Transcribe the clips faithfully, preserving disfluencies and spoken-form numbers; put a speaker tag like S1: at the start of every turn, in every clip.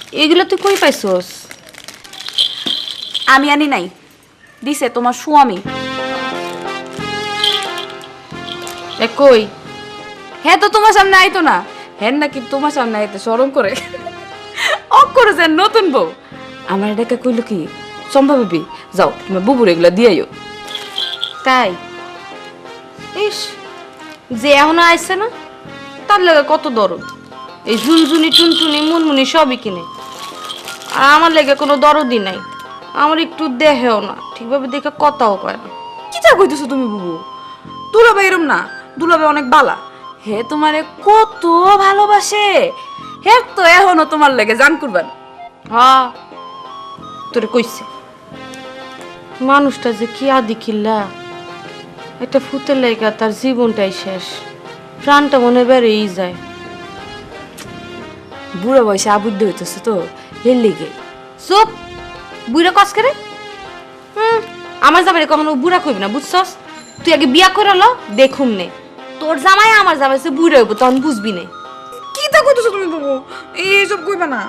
S1: এগুলো তুই কই পাইছস?
S2: আমি আনি নাই, দিছে তোমার স্বামী।
S1: এ কই?
S2: হ্যাঁ তো তোমার সামনে আইতো না। হ্যাঁ নাকি তোমার সামনে আইতে শরম করে অক করেছে নতুন বউ। আমার এটাকে কইলো কি, সম্ভাবী যাও তুমি বুবুর এগুলা দিয়াইও।
S1: তাই? ইস, যে এখনো আইছে না তার লেগে কত দরদ। এই ঝুনঝুনি টুনটুনি মুনমুনি সবই কিনে, আর আমার লেগে কোনো দরদই নাই। আমার একটু দেহেও না, ঠিকভাবে দেখে কথাও কয় না।
S2: কি যা কইতেছো তুমি বুবু? দুলাভাই এরম না, দুলাভাই অনেক বালা। হে তোমারে কত ভালোবাসে, হে তো এখনো তোমার লেগে জান কুরবান।
S1: হ্যাঁ, তোরে কইছে মানুষটা যে কি আদি কিল্লা, একটা ফুতের লেগা তার জীবনটাই শেষ, প্রাণটা মনে বেড়েই যায়।
S2: বুড়ো বয়সে আবুদ্ধ হইতেছে তো এর লেগে।
S1: চুপ, বুড়া কস করে। হুম, আমার জামাই কখনো বুড়া কইবি না, বুঝছস? তুই আগে বিয়া করে ল, দেখুন নে তোর জামাই আমার জামাই সে বুড়া হইব, তখন বুঝবি নে।
S2: কি তা কইতেছো তুমি বুবু? এইসব কইবা না।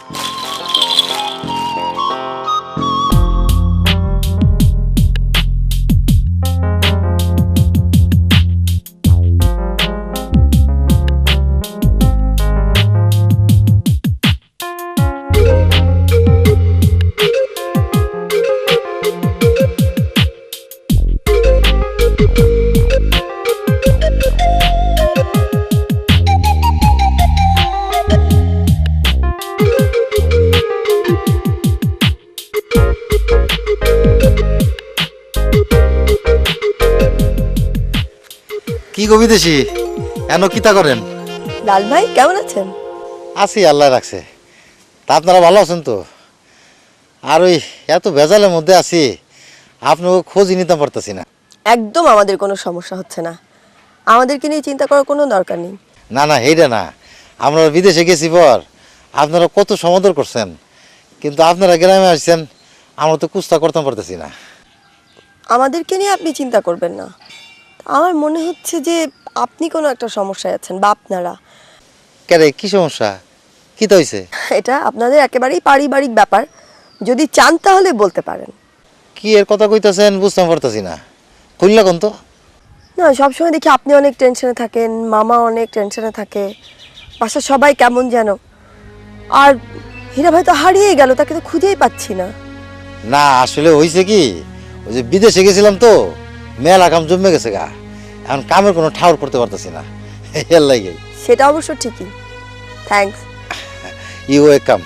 S3: কি গো বিদেশি, এন কিতা করেন?
S4: লাল ভাই কেমন আছেন?
S3: আছি, আল্লাহ রাখছে। তা আপনারা ভালো আছেন তো? আর ওই এত ভেজালের মধ্যে আছি, আপনাকে খোঁজই নিতে পারতেছি না।
S4: একদম আমাদের কোনো সমস্যা হচ্ছে না, আমাদেরকে নিয়ে চিন্তা করার কোনো দরকার নেই।
S3: না না, এইটা না, আমরা বিদেশে গেছি পর আপনারা কত সমাদর করছেন, কিন্তু আপনারা গ্রামে আসছেন, আমরা তো কুস্তা করতে পারতেছি না।
S4: আমাদেরকে নিয়ে আপনি চিন্তা করবেন না, আমার মনে হচ্ছে যে আপনি কোনো একটা সমস্যায় আছেন বা আপনারা।
S3: কেরে, কি সমস্যা, কি তো হয়েছে?
S4: এটা আপনাদের একেবারেই পারিবারিক ব্যাপার, যদি চান তাহলে বলতে পারেন।
S3: কি এর কথা কইতেছেন বুঝতে পারতেছি না, খুললা কোন তো?
S4: না, সবসময় দেখি আপনি অনেক টেনশনে থাকেন, মামা অনেক টেনশনে থাকে, বাসার সবাই কেমন যেন। আর হীরা ভাই তো হারিয়ে গেল, তাকে তো খুঁজেই পাচ্ছি না।
S3: না আসলে হয়েছে কি, ওই যে বিদেশে গেছিলাম তো, মেলা কাম জমে গেছে গা, এখন কামের কোনো ঠাউর করতে পারতেছি না, এর লাগে।
S4: সেটা অবশ্য ঠিকই, থ্যাঙ্কস।
S3: You welcome.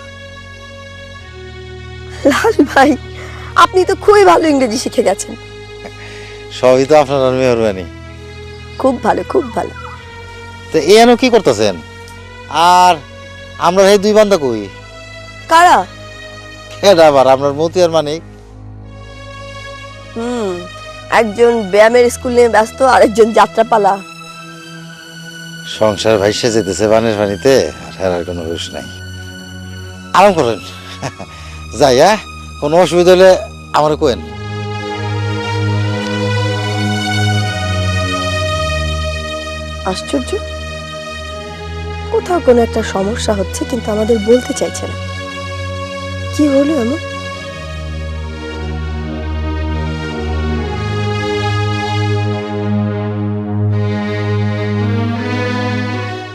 S4: লাল ভাই, আপনি তো খুবই ভালো ইংরেজি শিখে গেছেন।
S3: সবই তো আপনার মেহরবানি।
S4: খুব ভালো, খুব ভালো।
S3: তো এনো কি করতেছেন? আর আমরা এই দুই বান্দা কই?
S4: কারা?
S3: এটা আবার আপনার মতি আর মানিক।
S4: হুম, একজন ব্যায়ামের স্কুল নিয়ে ব্যস্ত, আরেকজন যাত্রাপালা।
S3: সংসার ভাইসে যেতেছে বানের পানিতে, আর হেরার কোনো হুঁশ নাই। আরাম করেন, যাই। হ্যাঁ, কোনো অসুবিধা হলে আমার কোয়েন।
S4: আশ্চর্য, কোথাও কোনো একটা সমস্যা হচ্ছে কিন্তু আমাদের বলতে চাইছে না। কি হলো এমন?